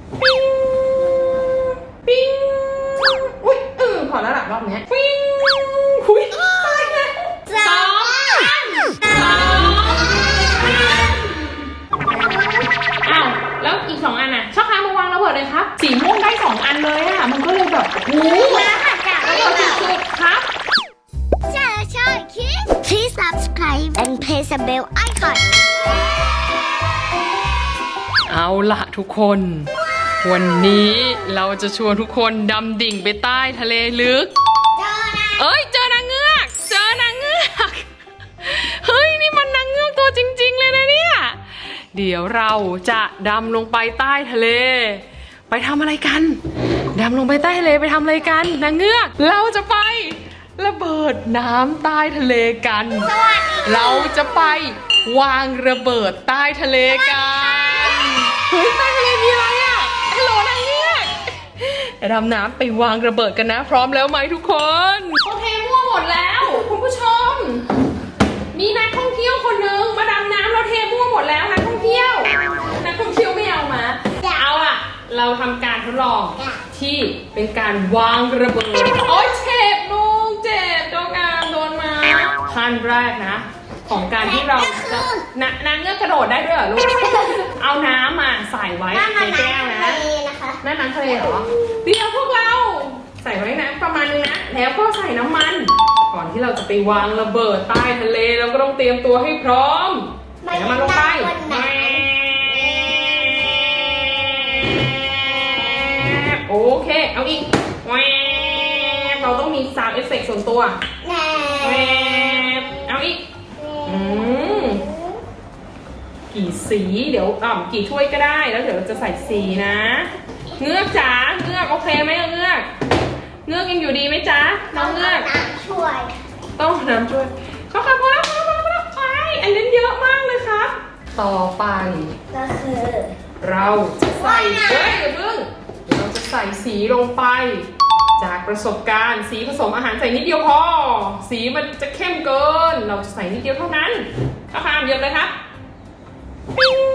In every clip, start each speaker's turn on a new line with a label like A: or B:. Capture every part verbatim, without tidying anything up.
A: ปิ้งปิ้งอุ้ยเออพอแล้วหลับรอบนี้ปิ้งอุ้ยตายแล้วสองอันสองอ้าวแล้วอีกสองอันน่ะชอบค้ามาวางระเบิดเลยครับสีม่วงได้สองอันเลยอ่ะมันก็เลยแบบโอ้โหระเบิดสุดๆครับ
B: Please subscribe and press the bell icon
A: เอาล่ะทุกคนวันนี้เราจะชวนทุกคนดำดิ่งไปใต้ทะเลลึกเอ้ยเจอนางเงือกเจอนางเงือกเฮ้ยนี่มันนางเงือกตัวจริงๆเลยนะเนี่ยเดี๋ยวเราจะดำลงไปใต้ทะเลไปทำอะไรกันดำลงไปใต้ทะเลไปทำอะไรกันนางเงือกเราจะไประเบิดน้ำใต้ทะเลกันเราจะไปวางระเบิดใต้ทะเลกันเฮ้ยใต้ทะเลมีอะไรอ่ะฮัลโหลนางเงือกดำน้ำไปวางระเบิดกันนะพร้อมแล้วไหมทุกคนโอเคมั่วหมดแล้วคุณผู้ชมมีนักท่องเที่ยวคนนึงมาดำน้ำเราเทมั่วหมดแล้วนักท่องเที่ยวนักท่องเที่ยวไม่เอามาเอาล่ะเราทำการทดลองที่เป็นการวางระเบิดโอ๊ยเจ็บลูกเจ็บโดนงานโดนมาขั้นแรกนะของการที่เราจะนางเงือกกระโดดได้ด้วยเหรอลูกเอาน้ำมาใส่ไว้ในแก้วนะนั่นน้ำทะเลเหรอเดี๋ยวพวกเราใส่ไว้นะประมาณนึงนะแล้วก็ใส่น้ำมันก่อนที่เราจะไปวางระเบิดใต้ทะเลเราก็ต้องเตรียมตัวให้พร้อมใส่น้ำมันลงไปโอเคเอาอีกเราต้องมีซาวด์เอฟเฟกต์ส่วนตัวเอาอีกอืมกี่สีเดี๋ยวอ่ากี่ถ้วยก็ได้แล้วเดี๋ยวจะใส่สีนะเงือกจ๋าเงือกโอเคไหมเงือกเงือกยังอยู่ดีไหมจ๊ะน้องเงือกช่วยต้องน้ำช่วยเขาค่ะพอแล้วพอแล้วพอแล้วไปอันนี้เยอะมากเลยครับต่อไป
B: ก็คือ
A: เราจะใส่เฮ้ยอย่าเพิ่งเราจะใส่สีลงไปจากประสบการณ์สีผสมอาหารใส่นิดเดียวพอสีมันจะเข้มเกินเราจะใส่นิดเดียวเท่านั้นข้าวคามเยอะเลยครับปิ้ง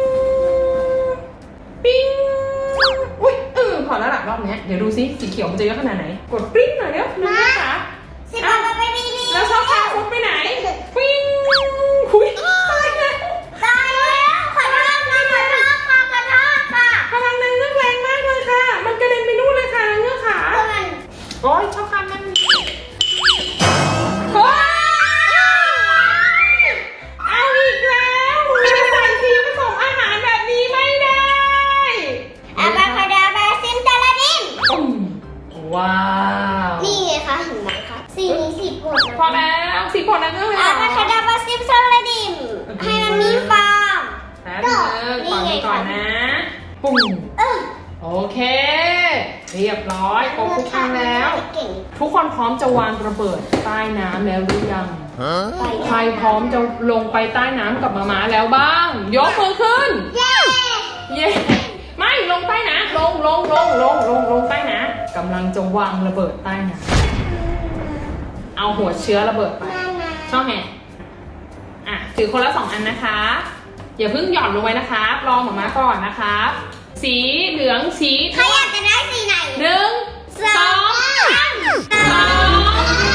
A: ปิ้งอุ้ยเออพอแล้วหลับรอบนี้เดี๋ยวดูซิสีเขียวมันจะเยอะขนาดไหนกดปิ้งหน่อยเร็วนะนะคะแล้วชอบพาฟุตไปไหนปิ้งคุยตายแล้ว
B: ตายแล้วขอโทษค่ะขอโทษค่ะขอโทษค่ะ
A: พลังนางเงือกแรงมากเลยค่ะมันกระเด็นไปนู่นเลยค่ะนางเงือกขาโอ้ยชอบคำมันโอ้ยเอาอีกแล้วจะใส่สีผสมอาหารแบบนี้ไม่ได้
B: อาบาคาดาบาซิมตาลาดิม
A: ว้าว
B: นี่ไงคะเห็นไหมคะสีนี้สีโปรดนะ
A: พอแล้วสีโปรดนางเงือกเลย
B: อาบาคาดาบาซิมตาลาดิมให้มันมีฟาร์ม
A: แล้วเออก่อนก่อนนะปุ่มโอเคเรียบร้อยครบทุกครั้งแล้วทุกคนพร้อมจะวางระเบิดใต้น้ำแล้วหรือยังใครพร้อมจะลงไปใต้น้ำกับมาม้าแล้วบ้างยกมือขึ้นเย้เย้ไม่ลงใต้น้ำลงลงลงลงลงลงใต้น้ำกำลังจะวางระเบิดใต้น้ำเอาหัวเชื้อระเบิดไปช่องแห่อ่ะถือคนละสองอันนะคะอย่าเพิ่งหย่อนลงไว้นะคะรอหมาม้าก่อนนะคะสีเหลืองสี
B: ใครอยากจะได้สีไหน
A: หนึ่งสองสอง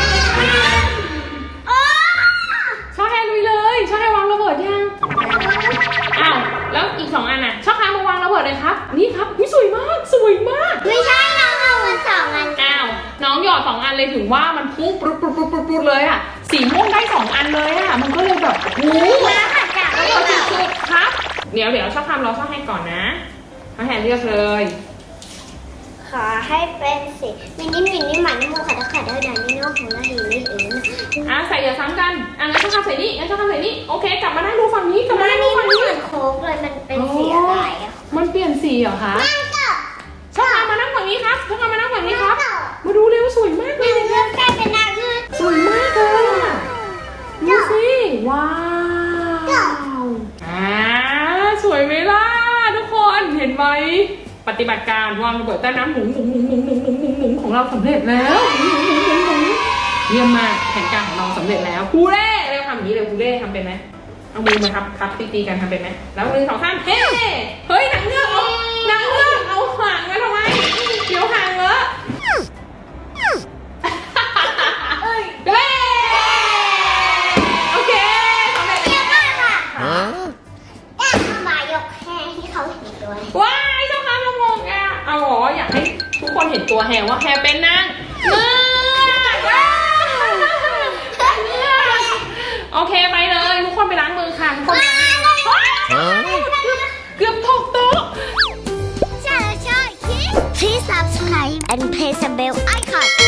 A: ชอบแฮลุยเลยชอบแฮวางระเบิดยังอ้าวแล้วอีกสองอันน่ะชอบแฮมาวางระเบิดเลยครับนี่ครับวิสวยมากสวยมาก
B: ไม่ใช่น้องเอามาสองอัน
A: อ้าวน้องหยอดสองอันเลยถึงว่ามันพุ่งปุ๊บปุ๊บปุ๊บปุ๊บเลยอ่ะสีม่วงได้สองอันเลยอ่ะมันก็เลยแบบโอ้โหระเบิดสุดๆครับเดี๋ยวเดี๋ยวชอบทำเราชอบให้ก่อนนะมาแฮนเลือกเลย
B: ขอให้เป็นสีมินิมินิหมันมูขัดขัดเดอร์ดานิโน่ของเราเองนี่เอง
A: อ่ะใส่อย่าซ้ำกันอ่ะงั้นชอบทำใส่นี่งั้นชอบทำใส่นี่โอเคกลับมานั่งดูฝั่งนี้กลับมานั่งดูฝั่งนี้
B: เหมือนโค้กเลยมันเป็นสีอะไรอ่ะ
A: มันเปลี่ยนสีเหรอคะชอบทำมานั่งฝั่งนี้ครับชอบทำมานั่งฝั่งนี้ครับมาดูเร็วสวยมากเลย
B: เลือกกลายเป็นนางเงือก
A: สวยมากเลยอ่ะดูสิว้าวอ่าสวยไหมล่ะทุกคนเห็นไหมปฏิบัติการวางระเบิดใต้น้ำหมุนหมุนหมุนหมุนหมุนหมุนหมุนหมุนของเราสำเร็จแล้วหมุนหมุนหมุนหมุนเยี่ยมมากแผนการของเราสำเร็จแล้วคูเร่เร็วทำอย่างนี้เร็วคูเร่ทำเป็นไหมเอามือมาทับทับตีๆกันทำเป็นไหมแล้วมือสองข้างเฮ้เฮ้ยหนังเงือกเอาหนังเงือกเอาหา
B: ตัว
A: ว้ายเจ้าค่ะมามองอ่ะเอาหรออยากให้ทุกคนเห็นตัวแฮร์ว่าแฮร์เป็นนางเงือกว้าวเงือกโอเคไปเลยทุกคนไปล้างมือค่ะทุกคนไปล้างมือว้าวเกือบตกโต๊ะ
B: Please subscribe and press the bell icon